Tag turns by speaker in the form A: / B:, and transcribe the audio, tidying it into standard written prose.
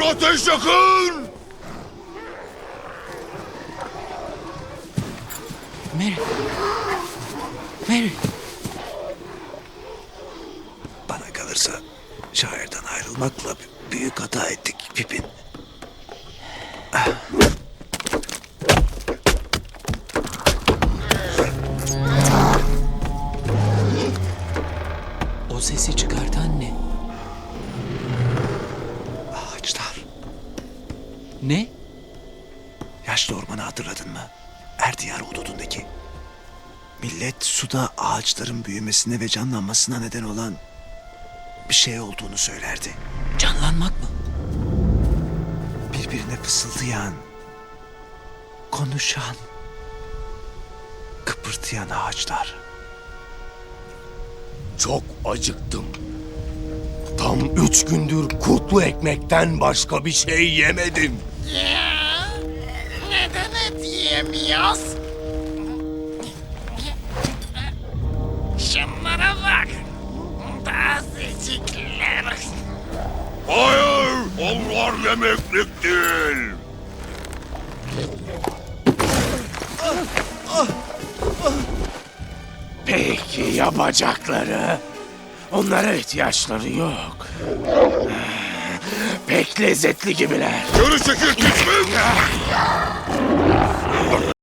A: Ateş yakın!
B: Mary. Mary.
C: Bana kalırsa şairden ayrılmakla büyük hata ettik Pipin.
B: O sesi çıkartan ne?
C: Ağaçlar.
B: Ne?
C: Yaşlı ormanı hatırladın mı? Erdiyar hududundaki. Millet suda ağaçların büyümesine ve canlanmasına neden olan bir şey olduğunu söylerdi.
B: Canlanmak mı?
C: Birbirine fısıldayan, konuşan, kıpırdayan ağaçlar.
A: Çok acıktım. Tam 3 gündür kurtlu ekmekten başka bir şey yemedim.
D: Ya, neden et yiyemiyoruz? Şunlara bak. Tazecikler.
A: Hayır, onlar yemeklik değil. Peki ya bacakları? Onlara ihtiyaçları yok. Pek lezzetli gibiler. Geri çekil küçük!